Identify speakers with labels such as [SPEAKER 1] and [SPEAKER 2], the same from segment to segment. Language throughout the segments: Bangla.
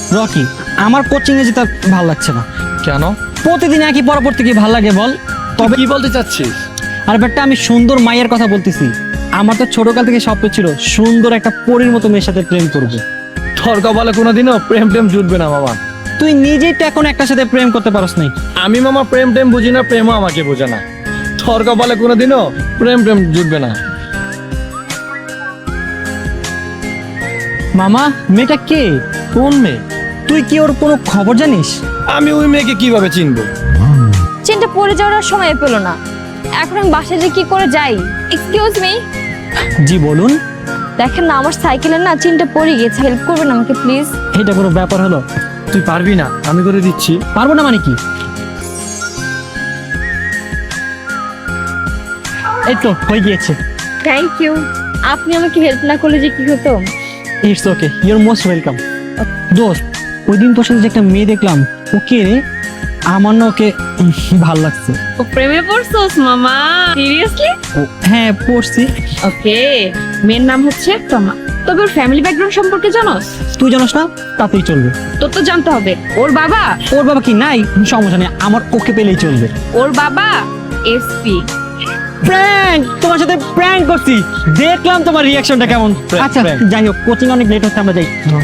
[SPEAKER 1] রকি, আমার কোচিং এ যেতে ভালো লাগছে না।
[SPEAKER 2] কেন?
[SPEAKER 1] প্রতিদিন একই পড়া পড়তে কি ভালো লাগে বল?
[SPEAKER 2] তবে কি বলতে চাচ্ছিস?
[SPEAKER 1] আর বেটা, আমি সুন্দর মাইয়ের কথা বলতেছি। আমার তো ছোটকাল থেকে স্বপ্ন ছিল সুন্দর একটা পরীর মতো মেয়ের সাথে প্রেম করবো।
[SPEAKER 2] তোর কপালে কোনোদিনও প্রেম টেম জুটবে না মামা।
[SPEAKER 1] তুই নিজেই তো এখন একটা সাথে প্রেম করতে পারস নাই।
[SPEAKER 2] আমি মামা প্রেম টেম বুঝি না, প্রেমও আমাকে বোঝে না। তোর কপালে কোনোদিনও প্রেম টেম জুটবে না।
[SPEAKER 1] মামা, মেয়েটা কে?
[SPEAKER 2] কোন মেয়ে?
[SPEAKER 1] তুই কি ওর কোনো খবর জানিস?
[SPEAKER 2] আমি ওই মেয়েকে কিভাবে চিনবো?
[SPEAKER 3] চেনটা পড়ে যাওয়ার সময় পেল না। এখন আমি বাসায় যে কি করে যাই? Excuse me.
[SPEAKER 1] জি বলুন।
[SPEAKER 3] দেখেন না, আমার সাইকেলের না চেনটা পড়ে গেছে, হেল্প করবেন আমাকে প্লিজ?
[SPEAKER 1] এটা কোনো ব্যাপার হলো?
[SPEAKER 2] তুই পারবি না, আমি করে দিচ্ছি।
[SPEAKER 1] পারবো না মানে কি? এই তো হয়ে গিয়েছে।
[SPEAKER 3] Thank you. আপনি আমাকে হেল্প না করলে যে কি হতো।
[SPEAKER 1] It's okay, your most welcome. দোস্ত, ওই দিন তোর সাথে যে একটা মেয়ে দেখলাম, ওকে রে? আমার না ওকে ভাল লাগছে।
[SPEAKER 4] ও প্রেমে পড়ছস মামা? সিরিয়াসলি?
[SPEAKER 1] হ্যাঁ, পড়ছি।
[SPEAKER 4] ওকে, মেয়ের নাম হচ্ছে তমা। তবে ওর ফ্যামিলি ব্যাকগ্রাউন্ড সম্পর্কে জানোস?
[SPEAKER 1] তুই জানোস না? তাতেই চলবে।
[SPEAKER 4] তোর তো জানতে হবে। ওর বাবা
[SPEAKER 1] কি নাই? সমস্যা নেই, আমার ওকে পেলেই চলবে।
[SPEAKER 4] ওর বাবা এসপি।
[SPEAKER 1] প্র্যাঙ্ক! তোমার সাথে প্র্যাঙ্ক করছি, দেখলাম তোমার রিঅ্যাকশনটা কেমন। আচ্ছা
[SPEAKER 2] prank।
[SPEAKER 1] যাই হোক, কোচিং অনেক লেট হচ্ছে, আমরা যাই।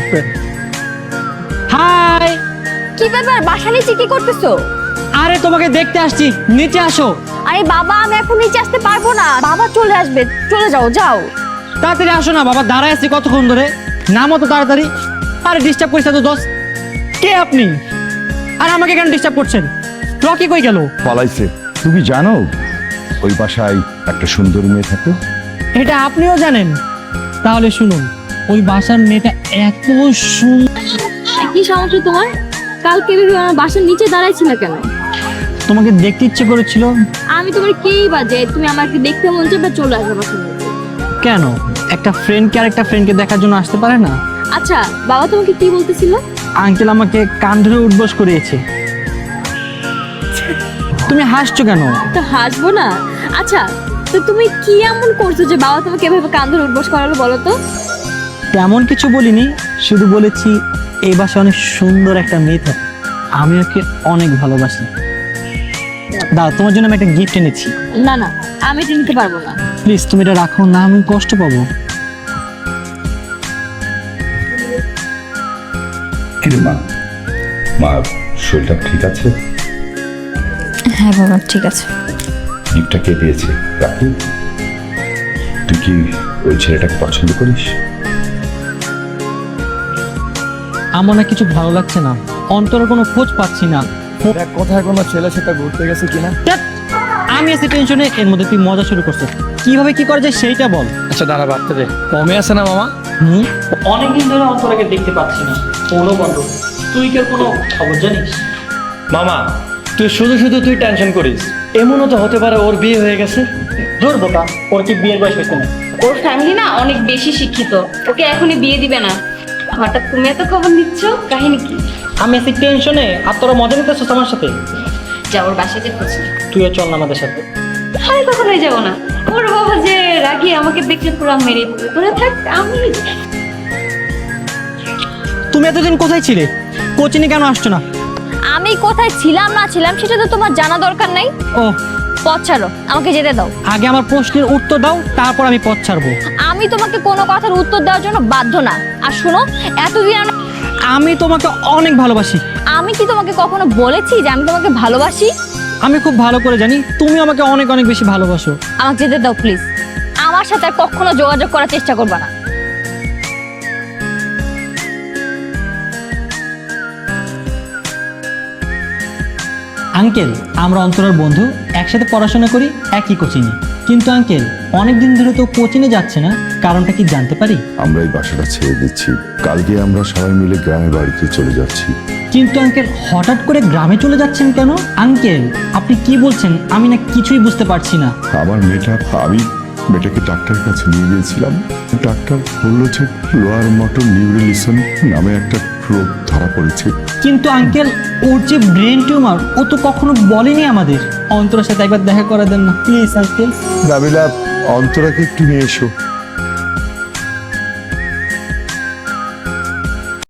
[SPEAKER 1] হাই।
[SPEAKER 3] কি ব্যাপার, বাসা নিচে কি করতেছো?
[SPEAKER 1] আরে তোমাকে দেখতে আসছি, নিচে আসো।
[SPEAKER 3] আরে বাবা, আমি এখন নিচে আসতে পারবো না, বাবা চলে আসবে। চলে যাও, যাও।
[SPEAKER 1] তাড়াতাড়ি আসো না বাবা, দাঁড়ায় আছি কতক্ষণ ধরে। নামো তো তাড়াতাড়ি। আরে ডিস্টার্ব করিস না তো দোস্ত। কে আপনি? আর আমাকে কেন ডিস্টার্ব করছেন? রকি কই গেল?
[SPEAKER 5] পালাইছে। তুমি জানো ওই বাসায় একটা সুন্দর মেয়ে থাকে?
[SPEAKER 1] এটা আপনিও জানেন? তাহলে শুনুন, ওই বাসার মেয়েটা এত সুন্দর।
[SPEAKER 4] কি সমস্যা তোমার? কালকে ভেবে আমার বাসার নিচে দাঁড়াইছিল কেন?
[SPEAKER 1] তোমাকে দেখতে ইচ্ছে করেছিল।
[SPEAKER 4] আমি তোমার কেই বাজে তুমি আমাকে দেখতে মন চায় বা চলে আসবে বাসার নিচে?
[SPEAKER 1] কেন? একটা ফ্রেন্ডকে আর একটা ফ্রেন্ডকে দেখার জন্য আসতে পারে না?
[SPEAKER 4] আচ্ছা, বাবা তোমাকে কি বলতেছিল?
[SPEAKER 1] আঙ্কেল আমাকে কান ধরে উঠবস করিয়েছে। তুমি হাসছো কেন?
[SPEAKER 4] তো হাসবো না। আচ্ছা, তো তুমি কি এমন করছো যে বাবা তোমাকে এভাবে কান ধরে উঠবস করালো বলো তো?
[SPEAKER 1] তেমন কিছু বলিনি, শুধু বলেছি এই বাসায় অনেক সুন্দর একটা মেয়ে থাকে, আমি ওকে অনেক ভালোবাসি। দাও, তোমার জন্য আমি একটা গিফট এনেছি।
[SPEAKER 4] না না, আমি এটা নিতে পারবো না।
[SPEAKER 1] প্লিজ তুমি এটা রাখো না, আমি কষ্ট পাবো।
[SPEAKER 5] কিরে মা, মা শরীরটা ঠিক আছে?
[SPEAKER 3] হ্যাঁ বাবা, ঠিক আছে।
[SPEAKER 5] গিফটটা কে দিয়েছে? রাখি। তুই কি ওই ছেলেটাকে পছন্দ করিস?
[SPEAKER 1] আমার না কিছু ভালো লাগছে না, অন্তরের কোনো খোঁজ পাচ্ছি না।
[SPEAKER 2] দেখ কোথায় কোনো ছেলের সাথে ঘুরতে গেছে কিনা।
[SPEAKER 1] ধ্যাৎ, আমি আছি টেনশনে, এর মধ্যে তুই মজা শুরু করছিস। কিভাবে কি করা যায় সেইটা বল।
[SPEAKER 2] আচ্ছা দাঁড়া, ভাবতে দে। কমে আছে না মামা?
[SPEAKER 1] অনেকদিন ধরে অন্তরাকে দেখতে পাচ্ছি না, ফোনও বন্ধ। তুই কি কোনো খবর জানিস?
[SPEAKER 2] মামা, তুই শুধু শুধু তুই টেনশন করিস। এমনও তো হতে পারে ওর বিয়ে হয়ে গেছে।
[SPEAKER 1] ধর বোকা, ওর কি বিয়ের বয়স হয়েছে না?
[SPEAKER 4] ওর ফ্যামিলি না অনেক বেশি শিক্ষিত, ওকে এখনই বিয়ে দিবে না। হঠাৎ তুমি এত খবর নিচ্ছ, কাহিনী কি?
[SPEAKER 1] আমি আছি টেনশনে, আর তোরা মজা নিতেছিস আমার সাথে।
[SPEAKER 4] যা ওর বাসায় যে খোঁজ।
[SPEAKER 1] তুইও চল না আমাদের সাথে।
[SPEAKER 4] আমি কখনোই যাবো না। ওর বাবা যে রাগি আমাকে দেখলে পুরো মেরে দিবে। তোরা থাক, আমি
[SPEAKER 1] তুমি এতদিন কোথায় ছিলে? কোচিনে কেন আসছো না?
[SPEAKER 3] আমি কোথায় ছিলাম না ছিলাম সেটা তো তোমার জানা দরকার নাই।
[SPEAKER 1] ও,
[SPEAKER 3] পথ ছাড়ো, আমাকে যেতে দাও।
[SPEAKER 1] আগে আমার প্রশ্নের উত্তর দাও, তারপর আমি পথ ছাড়বো।
[SPEAKER 3] আমি তোমাকে কোনো কথার উত্তর দেওয়ার জন্য বাধ্য না। আর শোনো, এতদিন
[SPEAKER 1] আমি তোমাকে অনেক ভালোবাসি।
[SPEAKER 3] আমি কি তোমাকে কখনো বলেছি যে আমি তোমাকে ভালোবাসি?
[SPEAKER 1] আমি খুব ভালো করে জানি তুমি আমাকে অনেক অনেক বেশি ভালোবাসো।
[SPEAKER 3] আমাকে যেতে দাও প্লিজ। আমার সাথে আর কখনো যোগাযোগ করার চেষ্টা করবে না।
[SPEAKER 1] আঙ্কেল, আমরা অন্তরার বন্ধু, একসাথে পড়াশোনা করি একই কোচিংয়ে। কিন্তু আঙ্কেল, অনেকদিন ধরে তো কোচিংয়ে যাচ্ছে না, কারণটা কি জানতে পারি?
[SPEAKER 5] আমরা এই বাসাটা ছেড়ে দিচ্ছি, কালকে আমরা সবাই মিলে গ্রামের বাড়িতে চলে যাচ্ছি।
[SPEAKER 1] কিন্তু আঙ্কেল, হঠাৎ করে গ্রামে চলে যাচ্ছেন কেন? আঙ্কেল, আপনি কি বলছেন? আমি না কিছুই বুঝতে পারছি না।
[SPEAKER 5] আমার আমি মেয়েটাকে ডাক্তারের কাছে নিয়ে গিয়েছিলাম। ডাক্তার বললো যে লোয়ার মোটর নিউরোলিসন নামে একটা রোগ ধরা পড়েছে।
[SPEAKER 1] কিন্তু আঙ্কেল, ওর যে ব্রেন টিউমার, ও তো কখনো বলেনি আমাদের। অন্তরের সাথে একবার দেখা করে দেন না প্লিজ আঙ্কেল।
[SPEAKER 5] নাবিলা, অন্তরাকে একটু নিয়ে এসো।